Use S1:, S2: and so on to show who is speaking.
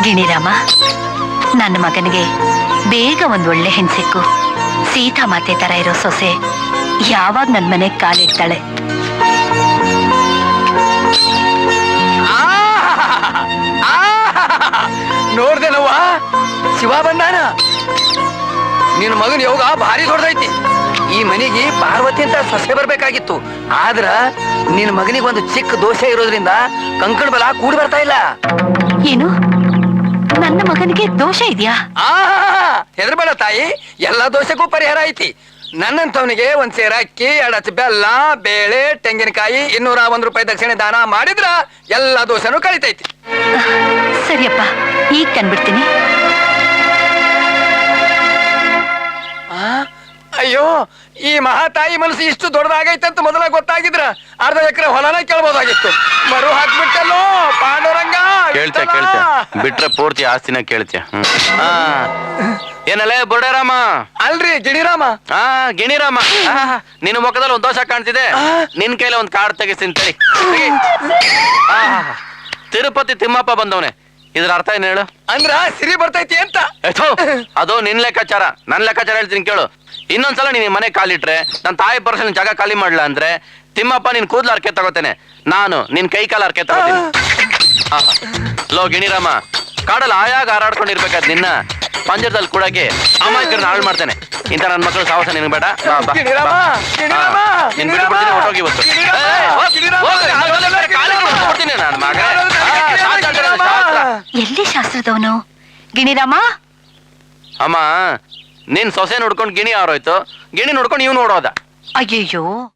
S1: ಗಿಣಿರಾಮ, ನನ್ನ ಮಗನಿಗೆ ಬೇಗ ಒಂದ್ ಒಳ್ಳೆ ಹೆಣ್ಸಿಕ್ಕು. ಸೀತಾ ಮಾತೆ ತರ ಇರೋ ಸೊಸೆ ಯಾವಾಗ ನನ್ ಮನೆಗ್ ಕಾಲಿಡ್ತಾಳೆ.
S2: ನೋಡ್ದೇನವ್ವ, ಶಿವ ಬಂದಾನ. ನಿನ್ ಮಗನ ಯೋಗ ಭಾರಿ ದೊಡ್ಡದೈತಿ. ಈ ಮನೆಗೆ ಪಾರ್ವತಿ ಅಂತ ಸೊಸೆ ಬರ್ಬೇಕಾಗಿತ್ತು. ಆದ್ರ ನಿನ್ ಮಗನಿಗೆ ಒಂದು ಚಿಕ್ಕ ದೋಷ ಇರೋದ್ರಿಂದ ಕಂಕಣ ಬಲ ಕೂಡಿ ಬರ್ತಾ ಇಲ್ಲ.
S1: ಏನು, ನನ್ನ ಮಗನಿಗೆ ದೋಷ ಇದೆಯಾ?
S2: ಹೆದರ್ಬೇಡ ತಾಯಿ, ಎಲ್ಲಾ ದೋಷಕ್ಕೂ ಪರಿಹಾರ ಐತಿ. ನನ್ನಂತವನಿಗೆ ಒಂದ್ ಸೇರ ಅಕ್ಕಿ, 2 ಅಚ್ಚ ಬೆಲ್ಲ, ಬೇಳೆ, ತೆಂಗಿನಕಾಯಿ, 201 ರೂಪಾಯಿ ದಕ್ಷಿಣೆ ದಾನ ಮಾಡಿದ್ರ ಎಲ್ಲಾ ದೋಷನೂ ಕಳಿತೈತಿ.
S1: ಸರಿಯಪ್ಪ, ಈಗ ಕಂಡ್ಬಿಡ್ತೀನಿ.
S2: ಅಯ್ಯೋ, ಈ ಮಹಾತಾಯಿ ಮನಸ್ಸು ಇಷ್ಟು ದೊಡ್ಡದಾಗೈತಂತ ಮೊದಲ ಗೊತ್ತಾಗಿದ್ರ ಅರ್ಧ ಎಕರೆ ಹೊಲನ ಕೇಳ್ಬೋದಾಗಿತ್ತು. ಮರು ಹಾಕ್ಬಿಟ್ಟಲ್ಲೋ ಪಾಂಡುರಂಗ.
S3: ಕೇಳ್ತೆ ಬಿಟ್ರೆ ಪೂರ್ತಿ ಆಸ್ತಿನ ಕೇಳ್ತೆ. ಏನಲ್ಲೇ ಬುರ್ಡೇರಾಮ?
S2: ಅಲ್ರಿ ಗಿಣಿರಾಮ.
S3: ಗಿಣಿರಾಮ, ನಿನ್ನ ಮುಖದಲ್ಲಿ ಒಂದ್ ದೋಷ ಕಾಣ್ತಿದೆ. ನಿನ್ ಕೈಲಿ ಒಂದ್ ಕಾರ್ಡ್ ತೆಗಿಸ್ತೀನಿ ತಡಿ. ತಿರುಪತಿ ತಿಮ್ಮಪ್ಪ ಬಂದವನೆ. ಇದ್ರ ಅರ್ಥ ಏನ್ ಹೇಳು?
S2: ಅಂದ್ರ ಸಿರಿ ಬರ್ತೈತಿ ಅಂತ.
S3: ಅದು ನಿನ್ ಲೆಕ್ಕಾಚಾರ. ನನ್ ಲೆಕ್ಕಾಚಾರ ಹೇಳ್ತೀನಿ ಕೇಳು. ಇನ್ನೊಂದ್ಸಲ ನೀನ್ ಮನೆ ಕಾಲಿಟ್ರೆ, ನನ್ ತಾಯಿ ಪರ್ಸನ್ ಜಾಗ ಖಾಲಿ ಮಾಡ್ಲಾ ಅಂದ್ರೆ ತಿಮ್ಮಪ್ಪ ನಿನ್ ಕೂದ್ಲ ಅರ್ಕೆ ತಗೋತೇನೆ, ನಾನು ನಿನ್ ಕೈ ಕಾಲ ಅರ್ಕೆ ತಗೋತೀನಿ. ಲೋ ಗಿಣಿರಾಮ, ಕಾಡಲ್ಲಿ ಆಯಾಗ ಹಾರಾಡ್ಕೊಂಡಿರ್ಬೇಕಾದ್ ನಿನ್ನ ಪಂಜರದಲ್ಲಿ ಕೂಡಕ್ಕೆ ಅಮಾಯಕರನ್ನ ಹಾಳು ಮಾಡ್ತೇನೆ. ಇಂಥ ನನ್ನ ಮಕ್ಕಳು ಸಾಹಸ ನಿನಗೆ ಬೇಡ. ಹೊಟ್ಟೋಗಿ ಇವತ್ತು ನನ್ನ ಮಗ.
S1: ಎಲ್ಲಿ ಶಾಸ್ತ್ರದವನು? ಗಿಣಿರಾಮ,
S3: ಅಮ್ಮ, ನಿನ್ ಸೊಸೆ ನೋಡ್ಕೊಂಡು ಗಿಣಿ ಆರೋಯ್ತು, ಗಿಣಿ ನೋಡ್ಕೊಂಡು ಇವ್ ನೋಡೋದ.
S1: ಅಯ್ಯಯ್ಯೋ,